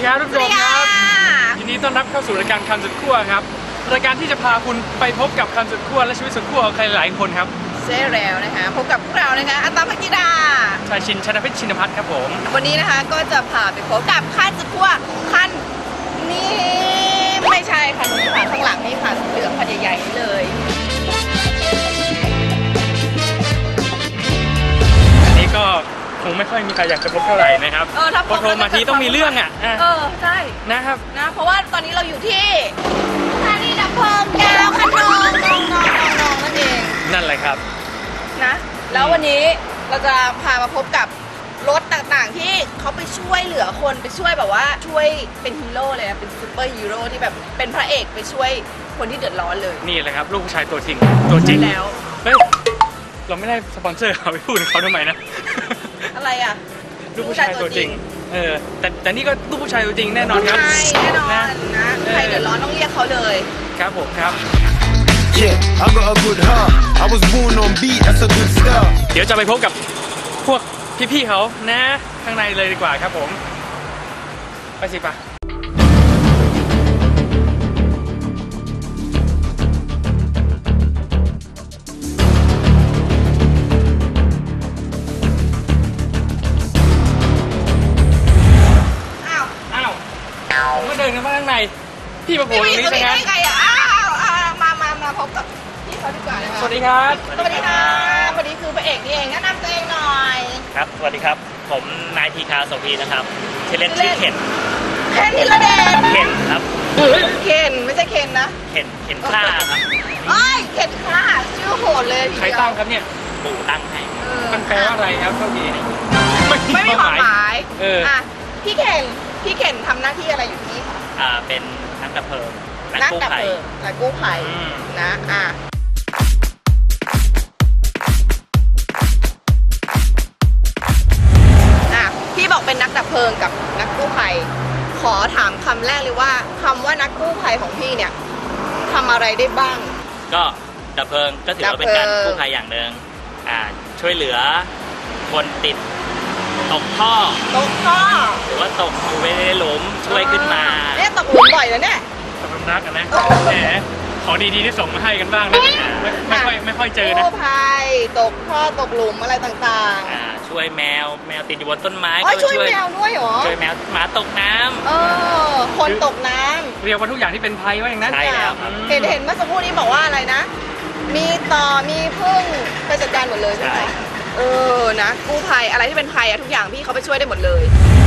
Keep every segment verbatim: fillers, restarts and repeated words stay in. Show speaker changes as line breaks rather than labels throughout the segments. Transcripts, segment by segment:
ครับทุกคนครับยินดีต้อนรับเข้าสู่รายการคันสุดขั้วครับรายการที่จะพาคุณไปพบกับคันสุดขั้วและชีวิตสุดขั้วของใครหลายคนครับ
ใช่แล้วนะคะพบกับพวกเรานะคะอัตตาภกิดา
ชายชินชนะเพชรชินพัฒน์ครับผม
วันนี้นะคะก็จะพาไปพบกับคันสุดขั้วคันนี้ไม่ใช่คันนี้ค่ะข้างหลังนี่ค่ะเหลืองคันใหญ่ๆเลย
อันนี้ก็คงไม่ค่อยมีใครอยากจะพบเท่าไหร่นะครับ
เออถ้าพบ
โทรมาทีต้องมีเรื่องอ่ะ
เออใช่
นะครับ
นะเพราะว่าตอนนี้เราอยู่ที่สถานีดับเพลิงดาวคะนองนองนองนองนั่นเอง
นั่นแหละครับ
นะแล้ววันนี้เราจะพามาพบกับรถต่างๆที่เขาไปช่วยเหลือคนไปช่วยแบบว่าช่วยเป็นฮีโร่เลยนะเป็นซูเปอร์ฮีโร่ที่แบบเป็นพระเอกไปช่วยคนที่เดือดร้อนเลย
นี่แหละครับลูกผู้ชายตัวจริงตัวจริง
แล้ว
เฮ้ยเราไม่ได้สปอนเซอร์เขาไปพูดเขาทำไมนะ
อะไรอ่ะ
ลูกผู้ชายตัวจริงเออแต่แต่นี่ก็ลูกผู้ชายตัวจริงแน่นอนครับ
แน่นอนนะใครเดือดร้อนต้องเรียกเขาเลย
ครับผมครับ
Yeah, I got a good heart. I was born on beat. That's a good start.
เดี๋ยวจะไปพบกับพวกพี่ๆเขานะข้างในเลยดีกว่าครับผมไปสิป่ะ
อ้าว
อ้าวผมก็เดินกันมาข้างในพี่มาโผล่ตรงนี้ซะงั้น
มาพบกับพี่เขาดีกว่านะคะ
สวัสดีครับ
สวัสดีครับวันนี้คือพระเอกนี่เองแนะนำตัวเองหน่อย
ครับสวัสดีครับผมนายทีคาโสภีนะครับชื่อเล่นชื่อเข็น
เข็นธีรเดช
เข็นครับ
เข็นไม่ใช่เข็นนะ
เข็นเข็นฆ่าครับ
เอ้ยเข็นฆ่าชื่อโหดเลย
ใครตั้งครับเนี่ย
ปู่ตั้งให้
มันแปลว่าอะไรครับเท่าที่
ไม่มีความหมาย
เออ
อ่ะพี่เข็นพี่เข็นทำหน้าที่อะไรอยู่ที่นี่คะ
อ่าเป็นนักดับเพลิง
นักดับเพลิงนักกู้ภัยนะอ่ะอ่ะพี่บอกเป็นนักดับเพลิงกับนักกู้ภัยขอถามคำแรกเลยว่าคำว่านักกู้ภัยของพี่เนี่ยทำอะไรได้บ้าง
ก็ดับเพลิงก็ถือว่าเป็นการกู้ภัยอย่างหนึ่งอ่าช่วยเหลือคนติดตกท่อ
ตกท่อ
หรือว่าตกอยู่ในหลุมช่วยขึ้นมา
เนี่ยตกหลุมบ่อยแล้วเนี่ย
สำหรับนักกันนะแหมของดีๆที่ส่งมาให้กันบ้างนะไม่ค่อยไม่ค่อยเจอนะ
กู้ภัยตกท่อตกหลุมอะไรต่าง
ๆอ่าช่วยแมวแมวติดอยู่บนต้นไม้
ก็ช่วยแมวด้วยเหรอ
ช่วยแมวหมาตกน้ำ
เออคนตกน้
ำเรียกว่าทุกอย่างที่เป็นภัยว่าอย่างนั้น
ใช่แล้ว
เห็นเห็นเมื่อสักครู่นี้บอกว่าอะไรนะมีต่อมีพึ่งไปจัดการหมดเลยใช่ไหมเออนะกู้ภัยอะไรที่เป็นภัยอะทุกอย่างพี่เขาไปช่วยได้หมดเลย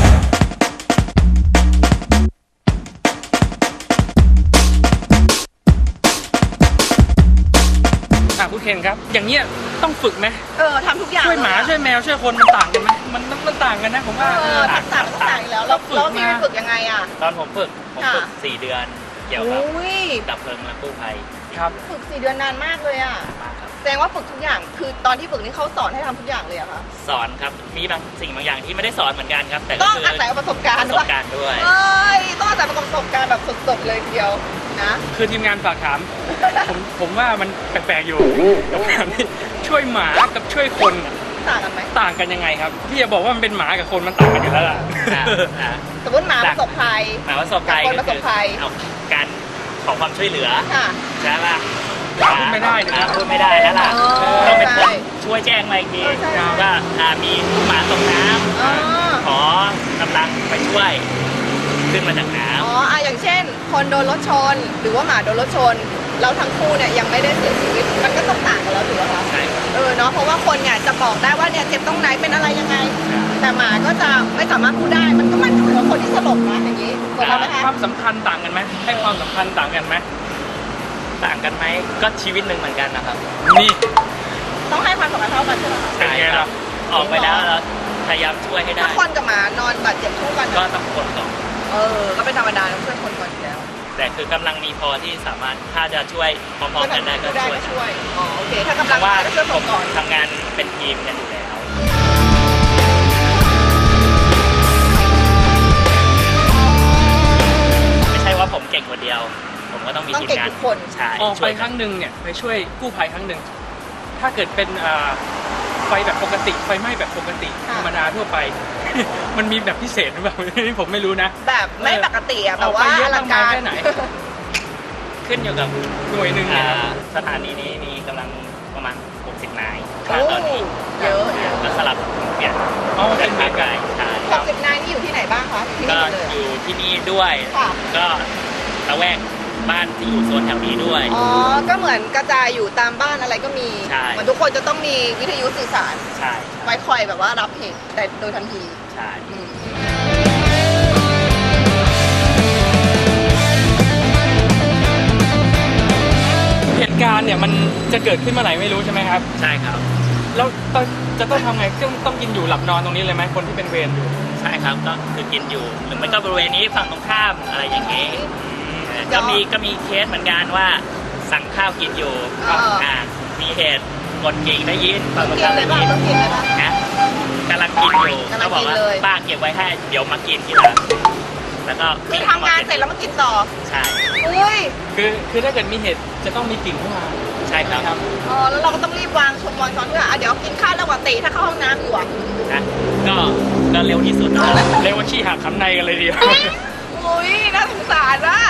คุณเคนครับอย่างเงี้ยต้องฝึกไหม
เออทำทุกอย่าง
ช่วยหมาช่วยแมวช่วยคนมันต่างกันไหมมันมันต่างกันนะผมว่า
เออต่างต่างต่างแล้วแล้วพี่ไปฝึกยังไงอ่ะ
ตอนผมฝึกผมฝึกสี่เดือนเกี่ยวกับดับเพลิงและกู้ภัย
ครับ
ฝึกสี่เดือนนานมากเลยอ่ะแสดงว่าฝึกทุกอย่างคือตอนที่ฝึกนี่เขาสอนให้ทำทุกอย่างเลยอะคะ
สอนครับมีบางสิ่งบางอย่างที่ไม่ได้สอนเหมือนกันครับแต่
ต้องอาศัยประสบการณ์
ประสบการณ์ด้วย
เอ้ยต้องอาศัยประสบการณ์แบบสดๆเลยทีเดียวนะ
คือทีมงานฝากถามผมผมว่ามันแปลกๆอยู่กับการที่ช่วยหมากับช่วยคน
ต่างกันไหม
ต่างกันยังไงครับพี่จะบอกว่ามันเป็นหมากับคนมันต่างกันอยู่แล้วล่ะ
สมมติหมาประสบภัย
หมาประสบภัย
คนประสบภัย
เอาการขอความช่วยเหลือใช่ป่ะ
พูดไม่ได้นะ
พูดไม่ได้แล้วล่ะต้องเป็นคนช่วยแจ้งมาอีกทีว่ามีหมาตกน้ำขอกำลังไปช่วยขึ้นมาจากน้ำ
อ๋ออ่ะอย่างเช่นคนโดนรถชนหรือว่าหมาโดนรถชนเราทั้งคู่เนี่ยยังไม่ได้เสียชีวิตมันก็ต้องต่างกันแล้วถูกไหมคะ
ใช่
เออเนาะเพราะว่าคนเนี่ยจะบอกได้ว่าเนี่ยเจ็บตรงไหนเป็นอะไรยังไงแต่หมาก็จะไม่สามารถพูดได้มันก็มันเหมือนคนที่สลบนะอย่างนี้ถูกไหมคะ
ความสำคัญต่างกันไหมให้ความสำคัญต่างกันไหม
ต่างกันไหมก็ชีวิตหนึ่งเหมือนกันนะครับ
นี่
ต้องให้ความสำคัญเท่ากันใช่ไหม
ใช่ครับ
ออกไปแล้วเราพยายามช่วยให้ได้
ถ้าคนกับหมานอนบาดเจ็บคู่กัน
ก็ต้องคนก่อน
เออก็เป็นธรรมดาต้องช่วยคนก่อนอยู่แล้ว
แต่คือกำลังมีพอที่สามารถถ้าจะช่วยพร้อมๆกันได้ก็
ช่วยอ๋อโอเคถ้ากำลัง
ว่า
ก็ช่วยผมก่อน
ทำงานเป็นทีมกันอยู่แล้วไม่ใช่ว่าผมเก่งคนเดียวผมก็ต้องมีทีมงาน
คน
ใช่
ออกไปครั้งหนึ่งเนี่ยไปช่วยกู้ภัยครั้งหนึ่งถ้าเกิดเป็นไฟแบบปกติไฟไหม้แบบปกติ
ค่ะ
ธรรมดาทั่วไป มันมีแบบพิเศษหรือเปล่า นี่ผมไม่รู้นะ
แบบไม่ปกติอะแบบ
เอา
ว่า
ไปเย
อ
อะ
ลังการ
มากมายแค่ไหน
ขึ้นอยู่กับ
หน่วยหนึ่งเนี่ย
อ่า
ครับ
สถานีนี้มีกำลังประมาณหกสิบนาย
โอ้
ตอนนี้
เยอะเยอะ
ก็สลับเปลี่ยน
อ๋อเป็
เป็น น
เม
ภาค
กะ
ไกลใช่
หกสิบนายนี่อยู่ที่ไหนบ้างคะที่
ก็
นี่หมดเลย
อยู่ที่นี่ด้วย
ค่ะ
ก็ละแวกบ้านที่อยู่โซนแถวนี้ด้วย
อ๋อ ก็เหมือนกระจายอยู่ตามบ้านอะไรก็มี
ใช่
เหมือนทุกคนจะต้องมีวิทยุสื่อสาร
ใช่
ไว้คอยแบบว่ารับเหตุแต่โดยทันที
ใช่
อืม
เหตุการณ์เนี่ยมันจะเกิดขึ้นเมื่อไหร่ไม่รู้ใช่ไหมครับ
ใช่ครับ
แล้วต้องจะต้องทำไงต้องต้องกินอยู่หลับนอนตรงนี้เลยไหมคนที่เป็นเวรอยู่
ใช่ครับก็คือกินอยู่หรือไม่ก็บริเวณนี้ฝั่งตรงข้ามอะไรอย่างนี้เออก็มีก็มีเคสเหมือนกันว่าสั่งข้าวกินอยู่
อ่า
อ่ามีเหตุกดกิ่งได้ยิน
ต้
ฝั่
อง ง
ตรง
กิน
ข้าม
เล
ได้
ยป่ะ
ยิน
ต้องกินเลยป่ะ
นะกำลังกินอยู่
กำลั
ก็
ง
บอ
กิ
ก
น
ว่า
เลย
ป้าเก็บไว้ให้เดี๋ยวมากินทีหลังแล้วก็
คือทำงานเสร็จแล้วมากินต่อ
ใช่
อุ้ย
คือคือถ้าเกิดมีเหตุจะต้องมีกลิ่นเข้ามา
ใช่ครับ
อ๋อ แล้วเราก็ต้องรีบวางชมวางช้อนด้วยอ่ะเดี๋ยวกินข้าวระหว่างตีถ้าเข้าห้องน้ำอยู่อ่ะ
นะก็ก็เร็วที่สุด
เรียกว่าขี้หักขันในกันเลยเดียว
อุ้ยน่าสงสารอ่ะ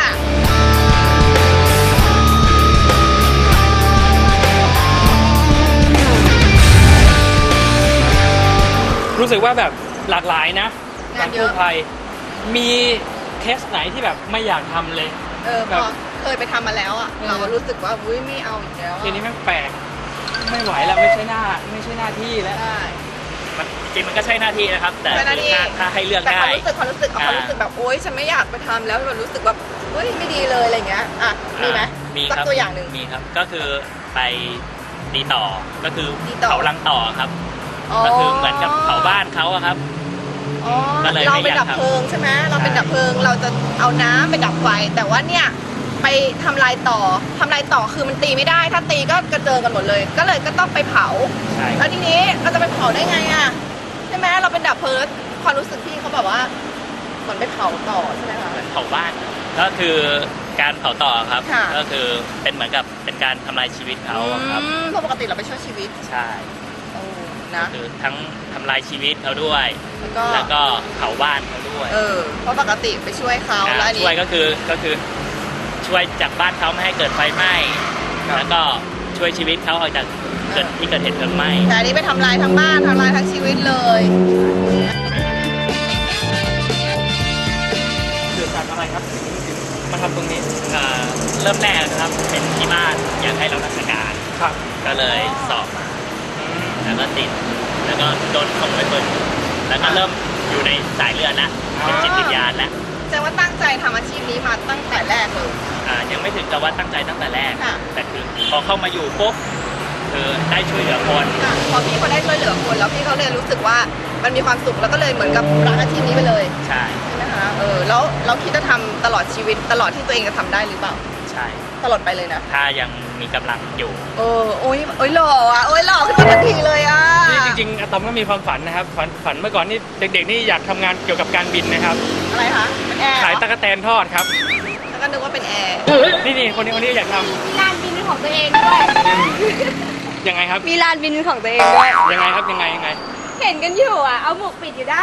รู้สึกว่าแบบหลากหลายนะ
งานเยอะ
กู้ภัยมีเคสไหนที่แบบไม่อยากทำเลย
เออพ
แบ
อบ เคยไปทำมาแล้วอ่ะ
เออ
เรารู้สึกว่าอุ้ยไม่เอาอีกแล้ว
ทีนี้แม่งแปลกไม่ไหวแล้วไม่ใช่หน้าไม่ใช่หน้าที่แล้ว
ใช่
มันจริงๆมันก็ใช่หน้าที่นะครับ แต่
ใช่หน้าที่
ถ้าถ้าให้เลือก
แต่ค
ได้
วามรู้สึกความรู้สึกเอาความรู้สึกแบบโอ๊ยฉันไม่อยากไปทำแล้วมันรู้สึกแบบเฮ้ยไม่ดีเลยอะไรเงี้ยอ่ะมีไหม
มี
สัก
ครับ
ตัวอย่างหนึ่ง
มีครับก็คือไปตีต่อก็คือ
ตีต่อ
เผารังต่อครับ ก็คือเหมือนกับเผาบ้านเขาอะครับ
อ๋อ
ก็เลย
เรา
ไม่
เป็น
อยาก
ดับเพลิงใช่ไหมเราเป็น
ใช่
ดับเพลิงเราจะเอาน้ำไปดับไฟแต่ว่าเนี่ยไปทำลายต่อทำลายต่อคือมันตีไม่ได้ ถ้าตีก็กระเจิงกันหมดเลย ก็เลยก็ต้องไปเผา
ใช่
แล้วทีนี้เราจะไปเผาได้ไงอ่ะใช่ไหมเราเป็นดับเพลิงความรู้สึกพี่เขาแบบว่าเหมือนไปเผาต่อใช่ไหมคะ
เหมือนเผาบ้าน ก็คือการเผาต่อครับ
ค่ะ
ก็คือเป็นเหมือนกับเป็นการทำลายชีวิตเขาอะครับ
อืมเพราะปกติเราไปช่วยชีวิต
ใช่
โอ้นะ
คือทั้งทำลายชีวิตเขาด้วย
แล้วก็
แล้วก็เผาบ้านเขาด้วย
เออเพราะปกติไปช่วยเขา
อ่า
แล้วอันนี้
ช่วยก็คือก็คือช่วยจากบ้านเขาไม่ให้เกิดไฟไหม้
ครับ
แล้วก็ช่วยชีวิตเขาออกจากเกิดที่เกิดเหตุเพลิงไหม้
แต่อันนี้ไปทำลายทั้งบ้านทำลายทั้งชีวิตเลย
เกิดจากอะไรครับมาทำตรงนี้
เอ่อเริ่มแรกนะครับเป็นที่บ้านอยากให้รับราชการ
ครับ
ก็เลยสอบมาแล้วก็ติด แล้วก็โดนส่งไปฝึกแล้วก็เริ่มอยู่ในสายเลือดแล้วเป็นจิตวิญญาณแล้ว
แสดงว่าตั้งใจทำอาชีพนี้มาตั้งแต่แรกเลย
อ่ายังไม่ถึงกับว่าตั้งใจตั้งแต่แรก
ค่ะ
แต่คือพอเข้ามาอยู่ปุ๊บคือได้ช่วยเหลือคน
ค่ะพอพี่เขาได้ช่วยเหลือคนแล้วพี่เขาเลยรู้สึกว่ามันมีความสุขแล้วก็เลยเหมือนกับรักอาชีพนี้ไปเลย
ใช่
ใช่ไหมคะเออแล้วเราคิดจะทำตลอดชีวิตตลอดที่ตัวเองจะทำได้หรือเปล่า
ใช่
ตลอดไปเลยนะ
ถ้ายังมีกำลังอยู่
เออโอ้ยโอ้ยหล่ออ่ะโอ้ยหล่อขึ้นมาทันทีเลยอ่ะ
นี่จริงๆอะตอมก็มีความฝันนะครับฝันฝันเมื่อก่อนนี่เด็กๆนี่อยากทำงานเกี่ยวกับการบินนะครับ
อะไรคะเป็นแอร์เหรอ
ขายตะกั่วแตนทอดครับ
แล้วก็นึกว่าเป็นแอร์
นี่นี่คนนี้คนนี้อยากท
มีลานบินเป็นของตัวเองด้วย
ำยังไงครับ
มีลานบินเป็นของตัวเองด้วย
ยังไงครับยังไงยังไง
เห็นกันอยู่อ่ะ เอาหมวกปิดอยู่ได้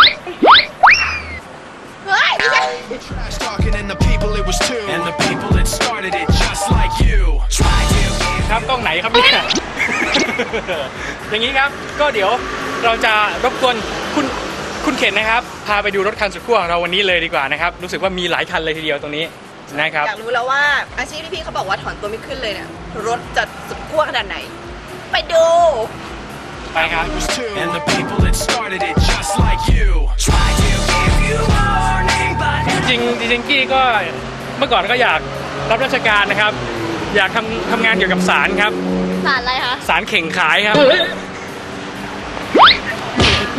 เฮ้ยไม่ใช่
Trash talking and the people it was too. And the people that started it just like you. Try to give
ครับกล้องไหนครับเนี่ย อย่างนี้ครับก็เดี๋ยวเราจะรบกวนคุณคุณเข็นนะครับ พาไปดูรถคันสุดขั้วของเราวันนี้เลยดีกว่านะครับ รู้สึกว่ามีหลายคันเลยทีเดียวตรงนี้นะครับ
อยากรู้แล้วว่าอาชีพที่พี่เขาบอกว่าถอนตัวไม่ขึ้นเลยเนี่ยรถจะสุดขั้วขนาดไหน ไปดู
ไปครับ
was too. And the people that started it just like you. Try to give you warning, but
จริงๆจริงๆกี้ก็เมื่อก่อนก็อยากรับราชการนะครับ อยากทำทำงานเกี่ยวกับศาลครับ
สารอะไรคะ
ศาลเข่งขายครับ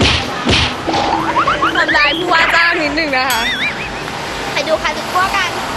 ทำลายผู้ว่าจ้างนิดหนึ่งนะคะ
ไปดูคันสุดขั้วกัน